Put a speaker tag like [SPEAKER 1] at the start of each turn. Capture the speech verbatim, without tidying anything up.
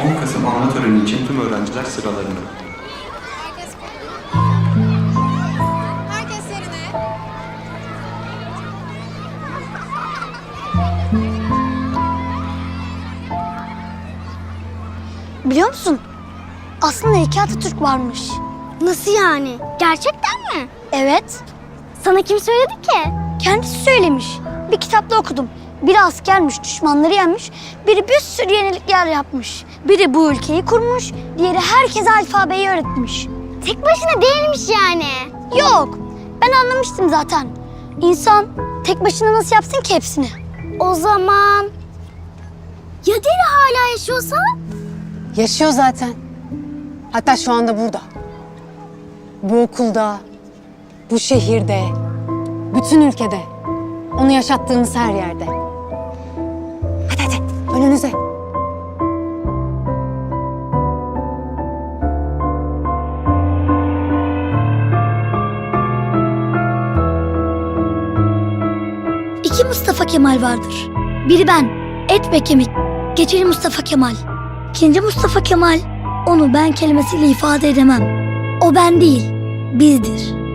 [SPEAKER 1] on Kasım anma töreni için tüm öğrenciler sıralarında.
[SPEAKER 2] Herkes Herkes yerine.
[SPEAKER 3] Biliyor musun? Aslında iki Atatürk varmış.
[SPEAKER 4] Nasıl yani? Gerçekten mi?
[SPEAKER 3] Evet.
[SPEAKER 4] Sana kim söyledi ki?
[SPEAKER 3] Kendisi söylemiş. Bir kitapta okudum. Biri askermiş, düşmanları yenmiş. Biri bir sürü yenilikler yapmış. Biri bu ülkeyi kurmuş. Diğeri herkese alfabeyi öğretmiş.
[SPEAKER 4] Tek başına değilmiş yani.
[SPEAKER 3] Yok. Ben anlamıştım zaten. İnsan tek başına nasıl yapsın ki hepsini?
[SPEAKER 4] O zaman... Ya Deri hala yaşıyorsa?
[SPEAKER 5] Yaşıyor zaten. Hatta şu anda burada. Bu okulda, bu şehirde, bütün ülkede. Onu yaşattığımız her yerde. Hadi hadi, önünüze.
[SPEAKER 3] İki Mustafa Kemal vardır. Biri ben, et ve kemik. Geçeli Mustafa Kemal. İkinci Mustafa Kemal, onu ben kelimesiyle ifade edemem. O ben değil, bizdir.